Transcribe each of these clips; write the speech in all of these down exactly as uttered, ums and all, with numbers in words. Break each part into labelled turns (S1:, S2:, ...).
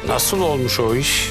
S1: Nasıl olmuş o iş?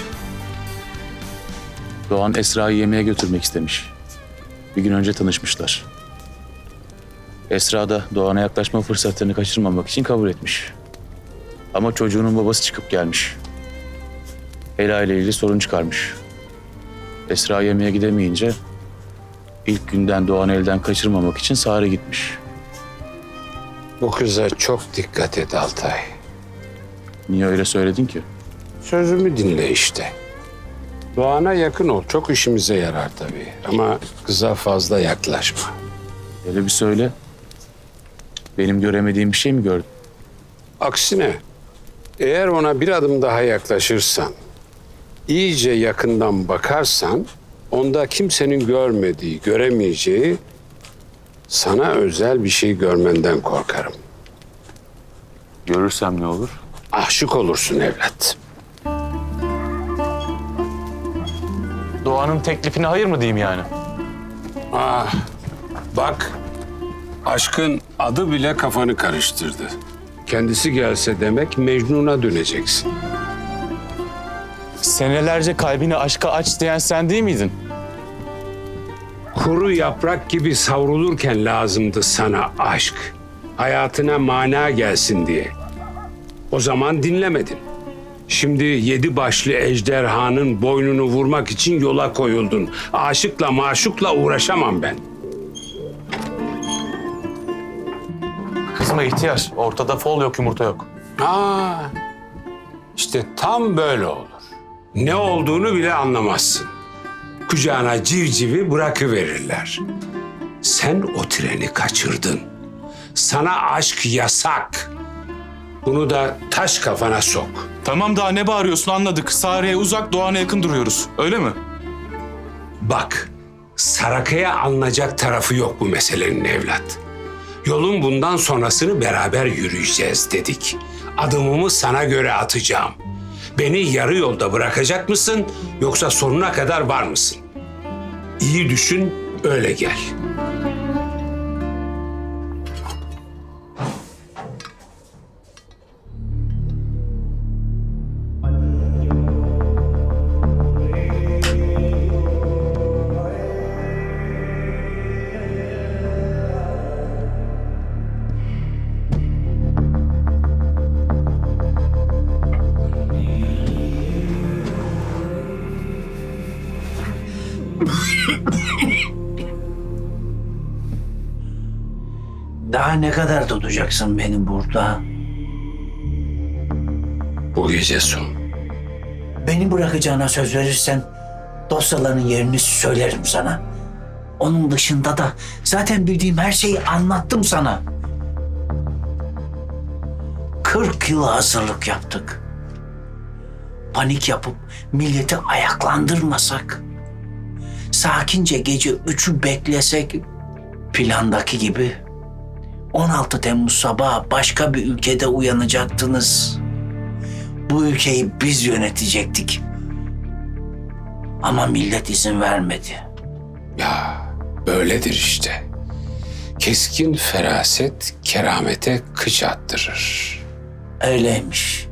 S2: Doğan Esra'yı yemeğe götürmek istemiş. Bir gün önce tanışmışlar. Esra da Doğan'a yaklaşma fırsatlarını kaçırmamak için kabul etmiş. Ama çocuğunun babası çıkıp gelmiş. Ela ile ilgili sorun çıkarmış. Esra yemeğe gidemeyince ilk günden Doğan'ı elden kaçırmamak için Sare gitmiş.
S1: Bu kıza çok dikkat et Altay.
S2: Niye öyle söyledin ki?
S1: Sözümü dinle işte. Doğan'a yakın ol. Çok işimize yarar tabii. Ama kıza fazla yaklaşma.
S2: Öyle bir söyle. Benim göremediğim bir şey mi gördün?
S1: Aksine eğer ona bir adım daha yaklaşırsan, iyice yakından bakarsan, onda kimsenin görmediği, göremeyeceği sana özel bir şey görmenden korkarım.
S2: Görürsem ne olur?
S1: Aşık olursun evlat.
S2: Doğan'ın teklifine hayır mı diyeyim yani?
S1: Ah, bak, aşkın adı bile kafanı karıştırdı. Kendisi gelse demek Mecnun'a döneceksin.
S2: Senelerce kalbini aşka aç diyen sen değil miydin?
S1: Kuru yaprak gibi savrulurken lazımdı sana aşk. Hayatına mana gelsin diye. O zaman dinlemedin. Şimdi yedi başlı ejderhanın boynunu vurmak için yola koyuldun. Aşıkla maşukla uğraşamam ben.
S2: Kızma ihtiyar. Ortada fol yok, yumurta yok.
S1: Aa, işte tam böyle olur. Ne olduğunu bile anlamazsın. Kucağına civcivi bırakıverirler. Sen o treni kaçırdın. Sana aşk yasak. Bunu da taş kafana sok.
S3: Tamam, daha ne bağırıyorsun, anladık. Sare'ye uzak, Doğan'a yakın duruyoruz. Öyle mi?
S1: Bak, Saraka'ya alınacak tarafı yok bu meselenin evlat. Yolun bundan sonrasını beraber yürüyeceğiz dedik. Adımımı sana göre atacağım. Beni yarı yolda bırakacak mısın yoksa sonuna kadar var mısın? İyi düşün, öyle gel.
S4: Daha ne kadar tutacaksın beni burada?
S1: Bu gece son.
S4: Beni bırakacağına söz verirsen dosyaların yerini söylerim sana. Onun dışında da zaten bildiğim her şeyi anlattım sana. Kırk yıl hazırlık yaptık. Panik yapıp milleti ayaklandırmasak, sakince gece üçü beklesek, plandaki gibi on altı Temmuz sabahı başka bir ülkede uyanacaktınız. Bu ülkeyi biz yönetecektik. Ama millet izin vermedi.
S1: Ya böyledir işte. Keskin feraset keramete kıç attırır.
S4: Öyleymiş.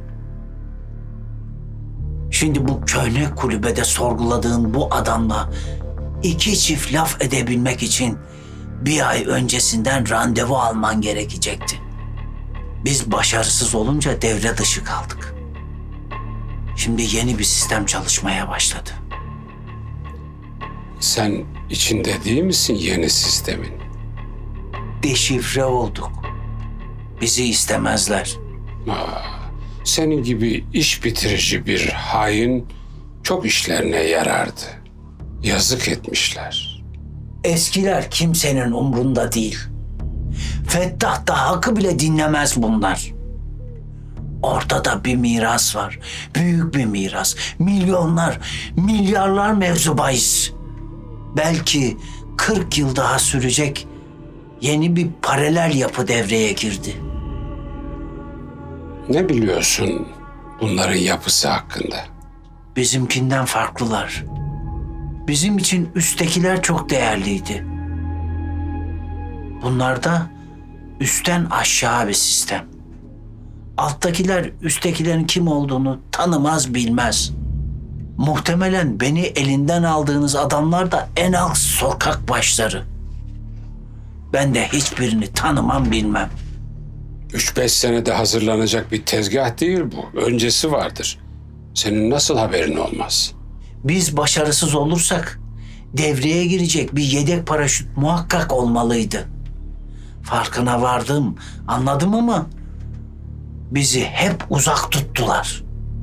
S4: Şimdi bu köhne kulübede sorguladığın bu adamla iki çift laf edebilmek için bir ay öncesinden randevu alman gerekecekti. Biz başarısız olunca devre dışı kaldık. Şimdi yeni bir sistem çalışmaya başladı.
S1: Sen içinde değil misin yeni sistemin?
S4: Deşifre olduk. Bizi istemezler.
S1: Senin gibi iş bitirici bir hain çok işlerine yarardı. Yazık etmişler.
S4: Eskiler kimsenin umrunda değil. Fettah da Hakkı bile dinlemez bunlar. Ortada bir miras var. Büyük bir miras. Milyonlar, milyarlar mevzu bahis. Belki kırk yıl daha sürecek yeni bir paralel yapı devreye girdi.
S1: Ne biliyorsun bunların yapısı hakkında?
S4: Bizimkinden farklılar. Bizim için üsttekiler çok değerliydi. Bunlarda üstten aşağı bir sistem. Alttakiler üsttekilerin kim olduğunu tanımaz bilmez. Muhtemelen beni elinden aldığınız adamlar da en alt sokak başları. Ben de hiçbirini tanımam bilmem.
S1: Üç beş senede hazırlanacak bir tezgah değil bu. Öncesi vardır. Senin nasıl haberin olmaz?
S4: Biz başarısız olursak devreye girecek bir yedek paraşüt muhakkak olmalıydı. Farkına vardım, anladım ama bizi hep uzak tuttular.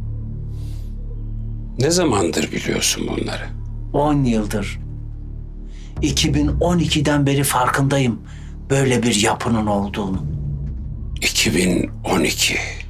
S1: Ne zamandır biliyorsun bunları?
S4: On yıldır. iki bin on ikiden beri farkındayım böyle bir yapının olduğunu.
S1: iki bin on iki.